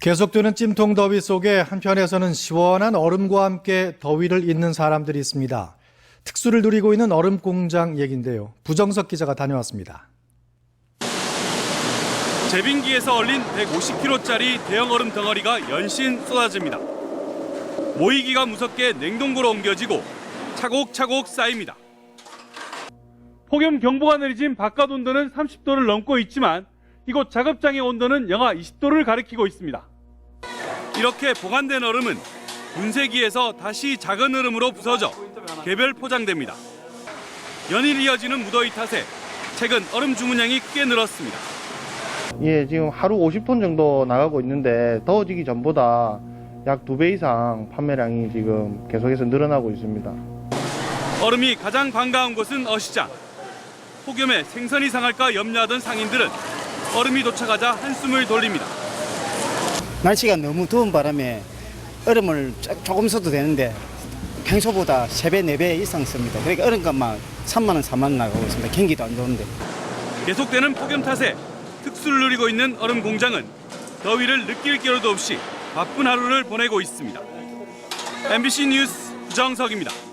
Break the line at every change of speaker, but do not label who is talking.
계속되는 찜통 더위 속에 한편에서는 시원한 얼음과 함께 더위를 잇는 사람들이 있습니다. 특수를 누리고 있는 얼음 공장 얘긴데요. 부정석 기자가 다녀왔습니다.
제빙기에서 얼린 150kg짜리 대형 얼음 덩어리가 연신 쏟아집니다. 모이기가 무섭게 냉동고로 옮겨지고 차곡차곡 쌓입니다. 폭염 경보가 내리진 바깥 온도는 30도를 넘고 있지만 이곳 작업장의 온도는 영하 20도를 가리키고 있습니다. 이렇게 보관된 얼음은 분쇄기에서 다시 작은 얼음으로 부서져 개별 포장됩니다. 연일 이어지는 무더위 탓에 최근 얼음 주문량이 크게 늘었습니다.
예, 지금 하루 50톤 정도 나가고 있는데 더워지기 전보다 약 2배 이상 판매량이 지금 계속해서 늘어나고 있습니다.
얼음이 가장 반가운 곳은 어시장. 폭염에 생선이 상할까 염려하던 상인들은 얼음이 도착하자 한숨을 돌립니다.
날씨가 너무 더운 바람에 얼음을 조금 써도 되는데 평소보다 3배, 4배 이상 씁니다. 그러니까 얼음값만 3만 원, 4만 원 나가고 있습니다. 경기도 안 좋은데.
계속되는 폭염 탓에 특수를 누리고 있는 얼음 공장은 더위를 느낄 겨를도 없이 바쁜 하루를 보내고 있습니다. MBC 뉴스 부정석입니다.